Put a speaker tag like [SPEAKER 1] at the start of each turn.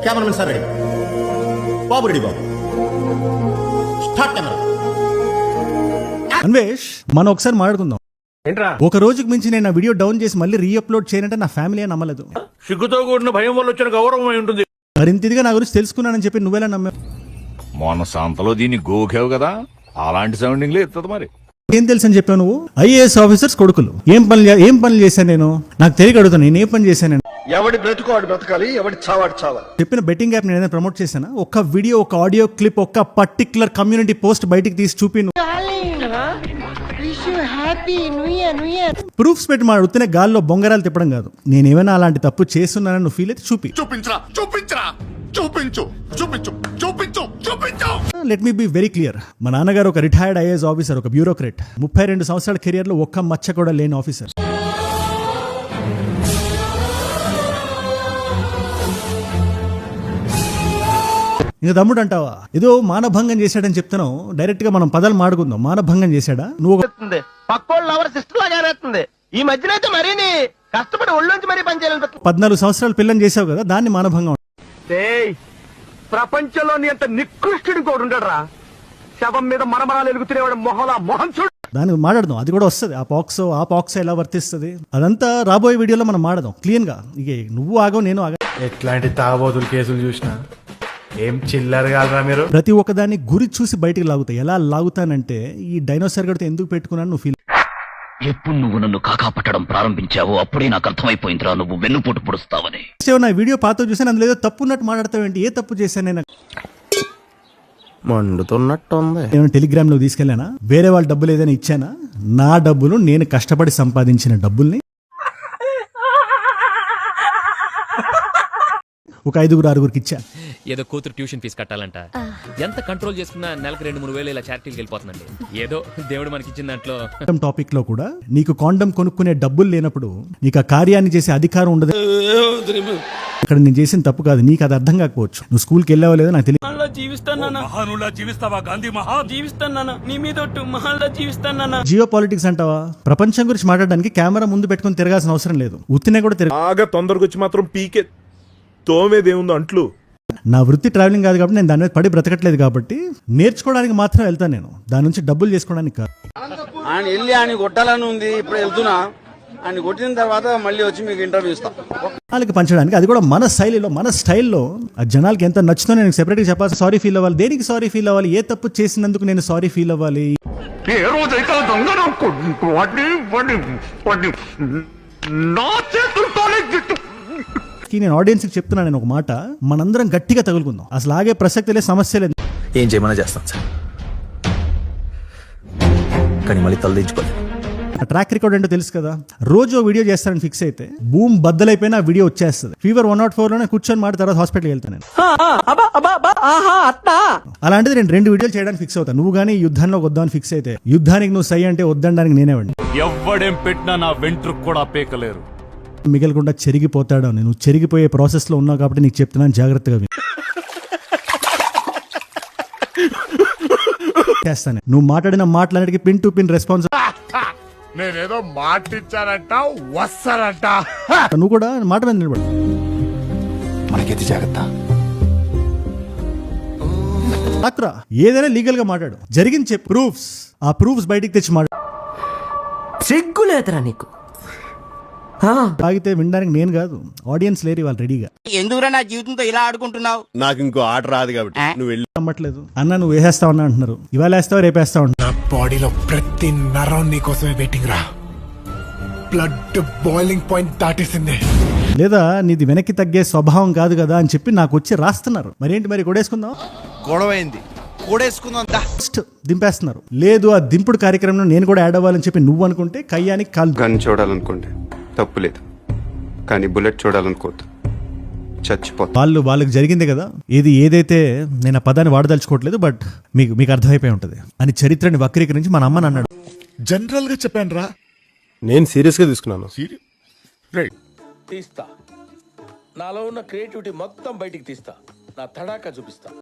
[SPEAKER 1] Cameraman sir ready, బాబు ready, బాబు start camera.
[SPEAKER 2] Anvesh, మనం ఒకసారి మాట్లాడుకుందాం.
[SPEAKER 3] ఏంట్రా?
[SPEAKER 2] ఒక రోజుకి మించి నేను ఆ వీడియో డౌన్ చేసి మళ్ళీ రీఅప్లోడ్ చేయనంటే నా ఫ్యామిలీ నమ్మలేదు.
[SPEAKER 3] సిగ్గుతో కూడిన భయం వల్ల వచ్చిన గౌరవం అయి ఉంటుంది.
[SPEAKER 2] మరింత ఇదిగా నా గురించి తెలుసుకున్నానని చెప్పి నువ్వెలా నమ్మావు?
[SPEAKER 4] మొన్న సంతలో దీన్ని గోకావు కదా, అలాంటి సౌండింగ్ లేదు మరి.
[SPEAKER 2] ఏం తెలుసు అని చెప్పావు నువ్వు? ఐఏఎస్ ఆఫీసర్స్ కొడుకులు ఏం పనులు చేశాను నేను? నాకు తెలియక అడుగుతాను, నేను ఏ పని చేశాను?
[SPEAKER 5] ఎవడి బ్రతుకోవాడు బ్రతకాలి, ఎవడి చావాడు చావాలి.
[SPEAKER 2] చెప్పిన బెట్టింగ్ యాప్ నేను ఏదైనా ప్రమోట్ చేశానా? ఒక్క వీడియో, ఒక ఆడియో క్లిప్, ఒక్క పర్టికులర్ కమ్యూనిటీ పోస్ట్ బయటికి తీసి చూపి ప్రూఫ్స్ పెట్టి మా ఉత్తినే గాల్లో బొంగరాలు తిప్పడం కాదు. నేనేమైనా అలాంటి తప్పు చేస్తున్నానని నువ్వు ఫీల్ అయితే let me be very clear. మా నాన్నగారు ఒక రిటైర్డ్ ఐఏఎస్ ఆఫీసర్, ఒక బ్యూరోక్రేట్. 32 సంవత్సరాల కెరియర్ లో ఒక్క మచ్చ కూడా లేని ఆఫీసర్. ఇంకా తమ్ముడు అంటావా? ఏదో మానభంగం చేశాడని చెప్తున్నావు. డైరెక్ట్ గా మనం పదాలు మాడుకుందాం. మానభంగం చేశాడా? నువ్వు
[SPEAKER 3] ఈ మధ్యన అయితే మరీ కష్టపడి ఒళ్ళొంచి మరీ పనిచేయాలి.
[SPEAKER 2] 14 సంవత్సరాలు పిల్లని చేసావు కదా, దాన్ని మానభంగం.
[SPEAKER 3] ప్రపంచంలోని అంత నికృష్టుడు కూడా ఉండడరా. శవం మీద మరమరాలు ఎలుగుతున్నవాడు మొహం చూడు.
[SPEAKER 2] దాన్ని మాట్లాడదాం, అది కూడా వస్తుంది. ఆ పాక్సో ఎలా వర్తిస్తుంది అదంతా రాబోయే వీడియోలో మనం మాడదాం క్లీన్ గా. ఇక నువ్వు ఆగవు, నేను ఆగ.
[SPEAKER 6] ఎట్లాంటి తాగబోతులు కేసులు చూసినా ఏం చిల్లర కాదురా మీరు.
[SPEAKER 2] ప్రతి ఒక్కదాన్ని గురి చూసి బయటికి లాగుతాయి. ఎలా లాగుతానంటే, ఈ డైనోసార్ గడితో ఎందుకు పెట్టుకున్నాను నువ్వు ఫీల్.
[SPEAKER 7] ఎప్పుడు నువ్వు నన్ను కాకాపట్టడం ప్రారంభించావో అప్పుడే నాకు అర్థమైపోయిందిరా, నువ్వు వెన్నుపోటు పొడుస్తావని.
[SPEAKER 2] నా వీడియో పాత చూసాను, అందులో ఏదో తప్పు ఉన్నట్టు మాట్లాడతావేంటి? ఏ తప్పు చేశాను నేను?
[SPEAKER 5] మండుతున్నట్టుంది.
[SPEAKER 2] ఏమైనా టెలిగ్రామ్ లో తీసుకెళ్ళానా? వేరే వాళ్ళ డబ్బులు ఏదైనా ఇచ్చానా? నా డబ్బులు, నేను కష్టపడి సంపాదించిన డబ్బుల్ని ఒక 5-6 ఇచ్చా.
[SPEAKER 8] ఏదో కూతురు ట్యూషన్ ఫీజు కట్టాలంట. ఎంత కంట్రోల్ చేసుకున్నా నెలకు 2-3 వేలు ఇలా చారిటీకి వెళ్ళిపోతుందండి. ఏదో దేవుడు మనకి ఇచ్చిన దాంట్లో.
[SPEAKER 2] టాపిక్ లో కూడా నీకు కాండమ్ కొనుక్కునే డబ్బులు లేనప్పుడు నీకు ఆ కార్యాన్ని చేసే అధికారం ఉండదు. ఇక్కడ నేను చేసిన తప్పు కాదు, నీకు అది అర్థం కాకపోవచ్చు. నువ్వు స్కూల్కి వెళ్ళావో లేదో నాకు తెలియదు. జియో పాలిటిక్స్ అంటావా? ప్రపంచం గురించి మాట్లాడడానికి కెమెరా ముందు పెట్టుకుని తిరగాల్సిన అవసరం లేదు. ఉత్తినే కూడా
[SPEAKER 9] బాగా తొందరగా వచ్చి మాత్రం పీకే తోమేదేముందో అంట్లు.
[SPEAKER 2] నా వృత్తి ట్రావెలింగ్ కాదు కాబట్టి నేను దాని మీద పడి బ్రతకట్లేదు కాబట్టి నేర్చుకోవడానికి మాత్రం వెళ్తాను. నేను దాని నుంచి డబ్బులు చేసుకోవడానికి కాదు.
[SPEAKER 10] ఆయన వెళ్ళి ఆయన కొట్టాలని ఉంది, ఇప్పుడు వెళ్తున్నా. ఆయన కొట్టిన తర్వాత మళ్ళీ వచ్చి మీకు ఇంటర్వ్యూ ఇస్తాం
[SPEAKER 2] వాళ్ళకి పంచడానికి. అది కూడా మన శైలిలో, మన స్టైల్లో. ఆ జనాలకి ఎంత నచ్చుతో నేను సెపరేట్గా చెప్పాలి. సారీ ఫీల్ అవ్వాలి. దేనికి సారీ ఫీల్ అవ్వాలి? ఏ తప్పు చేసినందుకు నేను సారీ ఫీల్ అవ్వాలి? నేను ఆడియన్స్ కి చెప్తున్నా, నేను ఒక మాట, మనందరం గట్టిగా తగులుకుందాం. అసలు ఆగే ప్రసక్తి లేదు, సమస్య లేదు.
[SPEAKER 11] ఏం చేయమన్నా చేస్తాం సార్, కానీ మళ్ళీ తలదించుకోలేదు.
[SPEAKER 2] ట్రాక్ రికార్డ్ ఏంటో తెలుసు కదా. రోజు వీడియో చేస్తానని ఫిక్స్ అయితే భూమి బద్దలైపోయినా ఆ వీడియో వచ్చేస్తుంది. ఫీవర్ 104 లోనే కూర్చొని మాట తర్వాత హాస్పిటల్కి వెళ్తాను నేను. అలాంటిది నేను 2 వీడియోలు చేయడానికి ఫిక్స్ అవుతాను. నువ్వు కానీ యుద్ధాల్లో వద్దామని ఫిక్స్ అయితే, యుద్ధానికి నువ్వు సై అంటే వద్దడానికి నేనేవాడిని.
[SPEAKER 4] ఎవ్వడేం పెట్టినా నా వెంట్రుకు కూడా పీకలేరు.
[SPEAKER 2] మిగలకుండా చెరిగిపోతాడు. నేను చెరిగిపోయే ప్రాసెస్ లో ఉన్నావు కాబట్టి నీకు చెప్తున్నాను, జాగ్రత్తగా చేస్తాను. నువ్వు మాట్లాడిన మాటలన్నిటికీ పిన్ టు పిన్ రెస్పాన్స్.
[SPEAKER 9] నేనేదో మాట ఇచ్చానంట, వస్తానంట.
[SPEAKER 2] నువ్వు కూడా మాట మీద నిలబడు.
[SPEAKER 11] మనకెది జాగ్రత్త.
[SPEAKER 2] డాక్టరా, ఏదైనా లీగల్ గా మాట్లాడు. జరిగింది చెప్పు. ప్రూఫ్స్, ఆ ప్రూఫ్స్ బయటికి తెచ్చి మాట్లాడు.
[SPEAKER 3] సిగ్గులేదురా నీకు?
[SPEAKER 2] తాగితే వినడానికి నేను కాదు, ఆడియన్స్ లేరు వాళ్ళు రెడీగా.
[SPEAKER 10] ఎందుకురా నా జీవితంతో ఇలా ఆడుకుంటున్నావు?
[SPEAKER 9] నాకు ఇంకో ఆట రాదు కాబట్టి నువ్వు వెళ్ళి.
[SPEAKER 2] నమ్మట్లేదు అన్న, నువ్వు వేసేస్తావన్నా అంటున్నారు. ఇవాళ వేస్తావా, రేపేస్తావు?
[SPEAKER 6] నా బాడీలో ప్రతి నరం నీ కోసమే వెయిటింగ్ రా. బ్లడ్ బాయిలింగ్ పాయింట్ దాటేసింది.
[SPEAKER 2] లేదా నీది వెనక్కి తగ్గే స్వభావం కాదు కదా అని చెప్పి నాకు వచ్చి రాస్తున్నారు. మరేంటి మరి, కొడేసుకుందాం?
[SPEAKER 5] గొడవైంది,
[SPEAKER 2] దింపేస్తున్నారు. లేదు, ఆ దింపుడు కార్యక్రమంలో నేను కూడా యాడ్ అవ్వాలని చెప్పి నువ్వు అనుకుంటే కయ్యానికి కాల్.
[SPEAKER 12] గన్ చూడాలనుకోండి తప్పులేదు, కానీ బుల్లెట్ చూడాలనుకోవద్దు, చచ్చిపోతా.
[SPEAKER 2] వాళ్ళకి జరిగింది కదా. ఏదైతే నేను ఆ పదాన్ని వాడదలుచుకోవట్లేదు, బట్ మీకు అర్థమైపోయి ఉంటది అని. చరిత్రని వక్రీకరించి మన అమ్మని అన్నాడు.
[SPEAKER 9] జనరల్ గా చెప్పాను రా,
[SPEAKER 5] నేను సీరియస్ గా తీసుకున్నాను.
[SPEAKER 3] తీస్తా, నాలో ఉన్న క్రియేటివిటీ మొత్తం బయటికి తీస్తా, నా తడాకా చూపిస్తా.